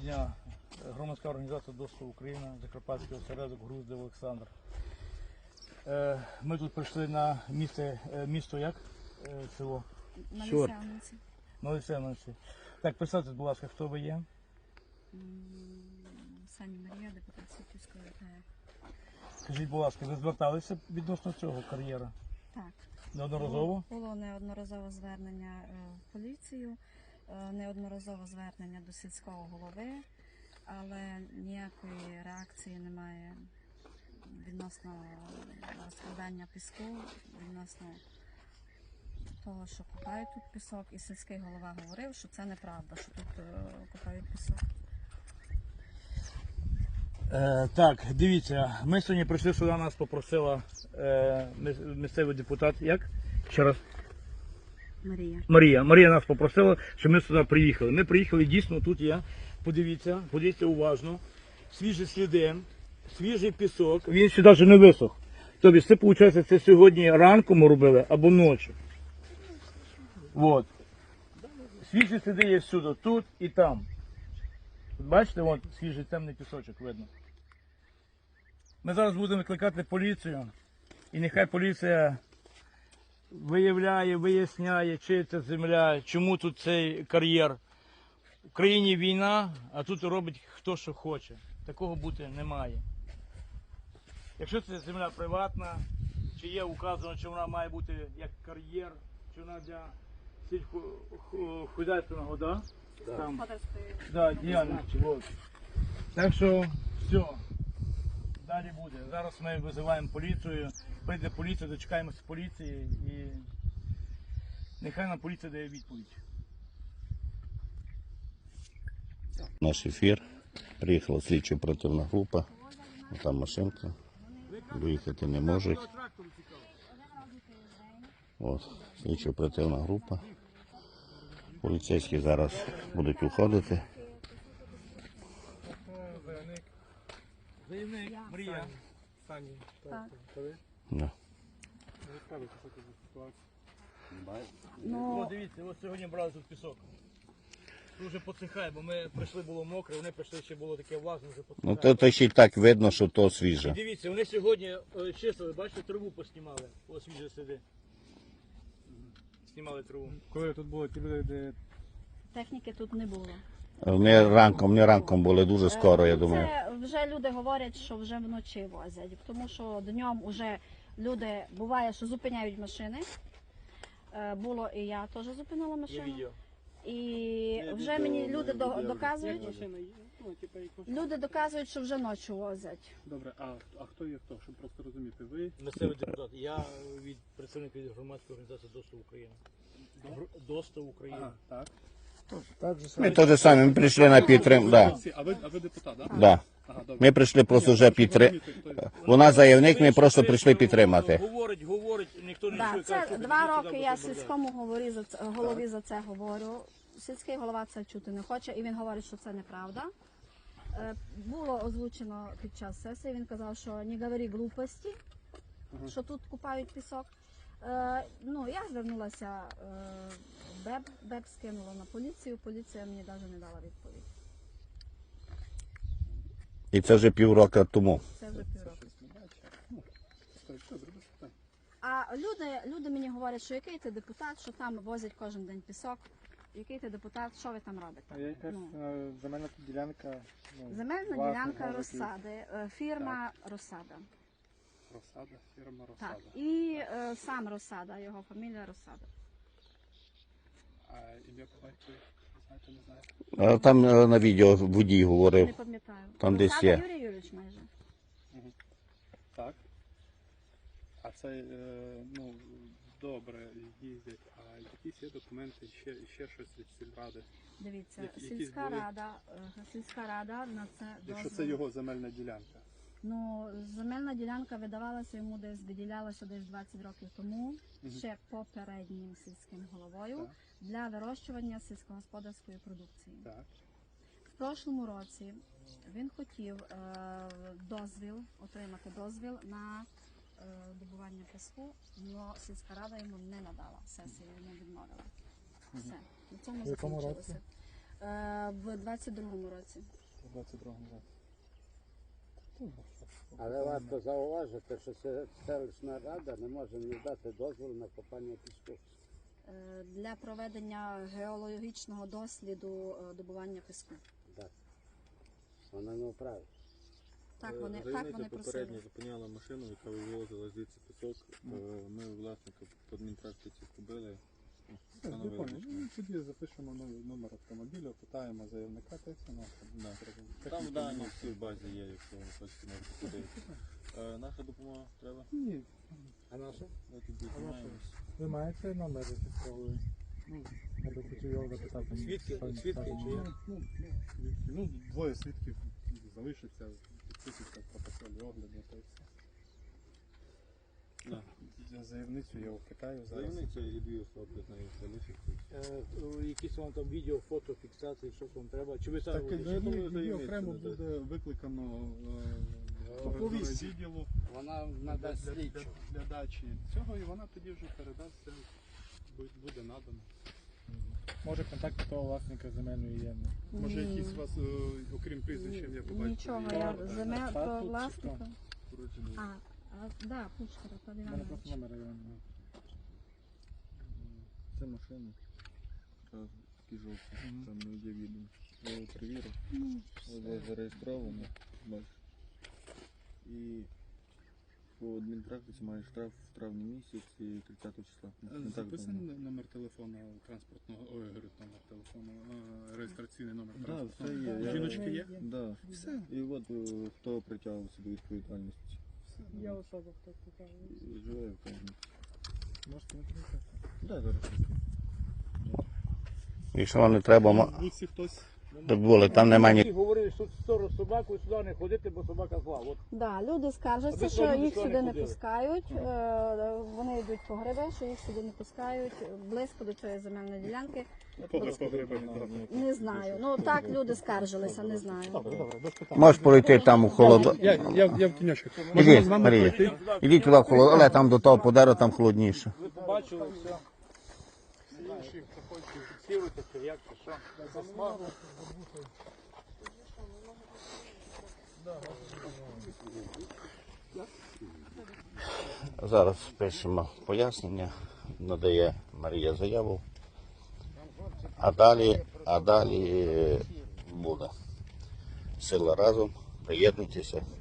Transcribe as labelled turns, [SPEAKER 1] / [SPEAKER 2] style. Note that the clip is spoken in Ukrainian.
[SPEAKER 1] дня. Громадська організація «Доступ Україна», Закарпатський осередок, Груздев Олександр. Ми тут прийшли на місто як? Село?
[SPEAKER 2] На Лисянниці.
[SPEAKER 1] На Лисянниці. Так, представте, будь ласка, хто ви є?
[SPEAKER 2] Сані Марія, депутат Сутівської ОТГ.
[SPEAKER 1] Скажіть, будь ласка, ви зверталися відносно цього кар'єра?
[SPEAKER 2] Так.
[SPEAKER 1] Неодноразово?
[SPEAKER 2] Було неодноразове звернення в поліцію, неодноразове звернення до сільського голови, але ніякої реакції немає відносно розкладання піску, відносно того, що купають тут пісок. І сільський голова говорив, що це неправда, що тут купають пісок.
[SPEAKER 1] Так, дивіться, ми сьогодні прийшли сюди, нас попросила місцевий депутат, як? Ще раз?
[SPEAKER 2] Марія.
[SPEAKER 1] Марія нас попросила, щоб ми сюди приїхали. Ми приїхали, дійсно, тут є, подивіться уважно, свіжі сліди, свіжий пісок, він ще навіть не висох. Тобто це, виходить, це сьогодні ранком ми робили або ночі. От. Свіжі сліди є всюди, тут і там. От бачите, вон свіжий темний пісочок видно. Ми зараз будемо викликати поліцію, і нехай поліція виявляє, виясняє, чи це земля, чому тут цей кар'єр. В країні війна, а тут робить хто що хоче. Такого бути не має. Якщо це земля приватна, чи є указано, чи вона має бути як кар'єр, чи вона для сільськохозяйственного, да? Там, да, діяльності. Вот. Так що все, далі буде. Зараз ми визиваємо поліцію, прийде поліція, дочекаємося поліції і нехай нам поліція дає відповідь.
[SPEAKER 3] Наш ефір. Приїхала слідчо-оперативна група. Там машинка. Виїхати не можуть. От, слідчо-оперативна група. Поліцейські зараз будуть уходити.
[SPEAKER 1] Заявник Марія.
[SPEAKER 4] Сані,
[SPEAKER 2] Так.
[SPEAKER 3] Да.
[SPEAKER 1] О, дивіться, ось сьогодні брали тут пісок. Тут вже посихає, бо ми прийшли, було мокре, вони прийшли, ще було таке влажне, вже посихає.
[SPEAKER 3] Ну то ще й так видно, що то
[SPEAKER 1] І
[SPEAKER 3] свіже.
[SPEAKER 1] дивіться, вони сьогодні чистили, бачите, траву поснімали. Ось свіжі сліди. Знімали траву.
[SPEAKER 4] Коли тут були ті люди, де
[SPEAKER 2] Техніки тут не було.
[SPEAKER 3] Вони ранком були дуже скоро, я думаю.
[SPEAKER 2] Це вже люди говорять, що вже вночі возять, тому що днем вже люди, буває, що зупиняють машини. Було і я теж зупинила
[SPEAKER 1] Є
[SPEAKER 2] машину.
[SPEAKER 1] відео.
[SPEAKER 2] І вже мені люди доказують, що вже ночі возять.
[SPEAKER 4] добре, а хто є хто, щоб просто розуміти? Ви
[SPEAKER 1] Місцевий депутат. Я представник від громадської організації «Доступ Україна». «Доступ Україна».
[SPEAKER 4] так?
[SPEAKER 3] Ми теж самі ми прийшли на підтримку. Да.
[SPEAKER 4] А ви депутат, так?
[SPEAKER 3] Да.
[SPEAKER 4] Ага, добре.
[SPEAKER 3] Ми прийшли просто вже підтримати. Вона заявник, ми просто прийшли підтримати.
[SPEAKER 1] Говорить, ніхто не
[SPEAKER 2] Да,
[SPEAKER 1] чує.
[SPEAKER 2] це
[SPEAKER 1] каже, що
[SPEAKER 2] 2
[SPEAKER 1] підійдіть
[SPEAKER 2] роки
[SPEAKER 1] сюди,
[SPEAKER 2] я
[SPEAKER 1] бо це
[SPEAKER 2] сільському голові за це говорю. Сільський голова це чути не хоче, і він говорить, що це неправда. Було озвучено під час сесії, він казав, що не говори глупості, що тут купають пісок. Ну, я звернулася в БЕБ скинула на поліцію, поліція мені навіть не дала відповідь.
[SPEAKER 3] І це вже півроку тому.
[SPEAKER 2] Це вже півроку.
[SPEAKER 4] Добре, без питань.
[SPEAKER 2] А люди мені говорять, що який ти депутат, що там возять кожен день пісок. Який ти депутат, що ви там робите?
[SPEAKER 4] А є якась земельна ділянка?
[SPEAKER 2] Земельна
[SPEAKER 4] власна,
[SPEAKER 2] ділянка
[SPEAKER 4] може,
[SPEAKER 2] Розсади, фірма Розсада.
[SPEAKER 4] Розсада, фірма
[SPEAKER 2] Так,
[SPEAKER 4] Розсада.
[SPEAKER 2] і сам Розсада, його фамілія Розсада.
[SPEAKER 4] А ім'я по батькові? Знаєте, не знаєте?
[SPEAKER 3] А там на відео водій
[SPEAKER 2] Не
[SPEAKER 3] говорив.
[SPEAKER 2] пам'ятаю.
[SPEAKER 3] Там десь
[SPEAKER 2] Розсада
[SPEAKER 3] є.
[SPEAKER 2] Юрій Юрійович майже.
[SPEAKER 4] Так. А це, ну, добре їздять, а якісь є документи, ще щось від сільради?
[SPEAKER 2] Дивіться,
[SPEAKER 4] Якісь
[SPEAKER 2] сільська рада на це
[SPEAKER 4] Якщо це
[SPEAKER 2] дозвіл.
[SPEAKER 4] його земельна ділянка?
[SPEAKER 2] Ну, земельна ділянка видавалася йому десь, виділялася десь 20 років тому, ще попереднім сільським головою,
[SPEAKER 4] Так.
[SPEAKER 2] для вирощування сільськогосподарської продукції.
[SPEAKER 4] Так.
[SPEAKER 2] В прошлому році він хотів отримати дозвіл на добування піску, але сільська рада йому не надала, сесія йому відмовила. Все, на цьому закінчилося. В 22-му році.
[SPEAKER 4] У 22-му році.
[SPEAKER 5] Але варто зауважити, що селищна рада не може не дати дозволу на копання піску.
[SPEAKER 2] Для проведення геологічного досліду добування піску.
[SPEAKER 5] Так. Вона не вправить.
[SPEAKER 2] Так, вони
[SPEAKER 6] Заявниця
[SPEAKER 2] просили.
[SPEAKER 6] попередньо зупиняла машину, яка вивозила звідси пісок. Ми власника по адмінпрактиці побили. Встановили.
[SPEAKER 4] Ну, тоді запишемо номер автомобіля, питаємо заявника, та й все
[SPEAKER 6] Да. Там дані всі в базі є, якщо ви хочете, можете подивитися. Наша допомога треба?
[SPEAKER 4] Ні.
[SPEAKER 5] А наша?
[SPEAKER 6] Ми тоді займаємось.
[SPEAKER 4] Ви маєте номер реєстровий? Я би хотів його запитати.
[SPEAKER 1] Свідки чи є?
[SPEAKER 4] Ну, двоє свідків залишиться, підписуються в протоколі огляду, та й все.
[SPEAKER 6] Да.
[SPEAKER 4] Я заявницю я впитаю зараз.
[SPEAKER 6] Заявниця і дві особи з нею залишиться.
[SPEAKER 1] Якісь вам там відео, фото, фіксації, що вам треба? Чи ви самі
[SPEAKER 4] Так,
[SPEAKER 1] будете?
[SPEAKER 6] я думаю,
[SPEAKER 4] її
[SPEAKER 6] заявницю
[SPEAKER 4] окремо
[SPEAKER 6] надасть.
[SPEAKER 4] буде викликано
[SPEAKER 5] Оповість.
[SPEAKER 4] відділу
[SPEAKER 5] Вона надасть слідчу.
[SPEAKER 4] для дачі цього, і вона тоді вже передасться, буде надано.
[SPEAKER 7] Може контакти того власника земельної є.
[SPEAKER 4] Може якісь у вас, окрім прізвища, я побачив.
[SPEAKER 2] Нічого,
[SPEAKER 4] є,
[SPEAKER 2] я
[SPEAKER 4] так?
[SPEAKER 2] земель
[SPEAKER 7] Статут
[SPEAKER 2] то
[SPEAKER 7] чи
[SPEAKER 2] власника.
[SPEAKER 6] Породжений.
[SPEAKER 2] Да, Пучкара, Павло
[SPEAKER 7] У мене
[SPEAKER 2] Іванович.
[SPEAKER 7] просто номер Івана.
[SPEAKER 6] Це машина. Такі жовті. Там не є відео. Я його перевірив. Ось зареєстровано. Бачиш. І по адмінпрактиці має штраф в травні місяці 30 числа. Не так
[SPEAKER 4] Записаний
[SPEAKER 6] давно.
[SPEAKER 4] номер телефону транспортного, говорить, номер телефону, реєстраційний номер
[SPEAKER 6] Да,
[SPEAKER 4] транспортного.
[SPEAKER 6] все є. Я-
[SPEAKER 4] Жіночки є?
[SPEAKER 6] Да.
[SPEAKER 4] Все.
[SPEAKER 6] І от хто притягувався до відповідальності.
[SPEAKER 7] Я особа, хто питає.
[SPEAKER 6] І живе в Кам'янці.
[SPEAKER 7] Можете не приїхати.
[SPEAKER 6] Да, зараз.
[SPEAKER 3] Якщо вам не треба,
[SPEAKER 4] В вулиці хтось.
[SPEAKER 3] так було, там немає ні.
[SPEAKER 1] Всі говорили, що в сторону собаку сюди не ходити, бо собака зла. От
[SPEAKER 2] Да, люди
[SPEAKER 1] А
[SPEAKER 2] скаржаться,
[SPEAKER 1] ви
[SPEAKER 2] що
[SPEAKER 1] що,
[SPEAKER 2] їх
[SPEAKER 1] люди
[SPEAKER 2] сюди не
[SPEAKER 1] ходили?
[SPEAKER 2] пускають. Вони йдуть по гриби, що їх сюди не пускають близько до цієї земельної ділянки. Не знаю. Ну так люди скаржилися, не знаю.
[SPEAKER 3] Можеш пройти там у холодо.
[SPEAKER 4] Я в тіньочок.
[SPEAKER 3] Ідіть, Марія. Ідіть туди в холодо, але там до того подару там холодніше.
[SPEAKER 1] ви побачили все. Фіксируйте, чи як, чи що.
[SPEAKER 3] Зараз пишемо пояснення, надає Марія заяву, а далі буде. Сила разом, приєднуйтеся.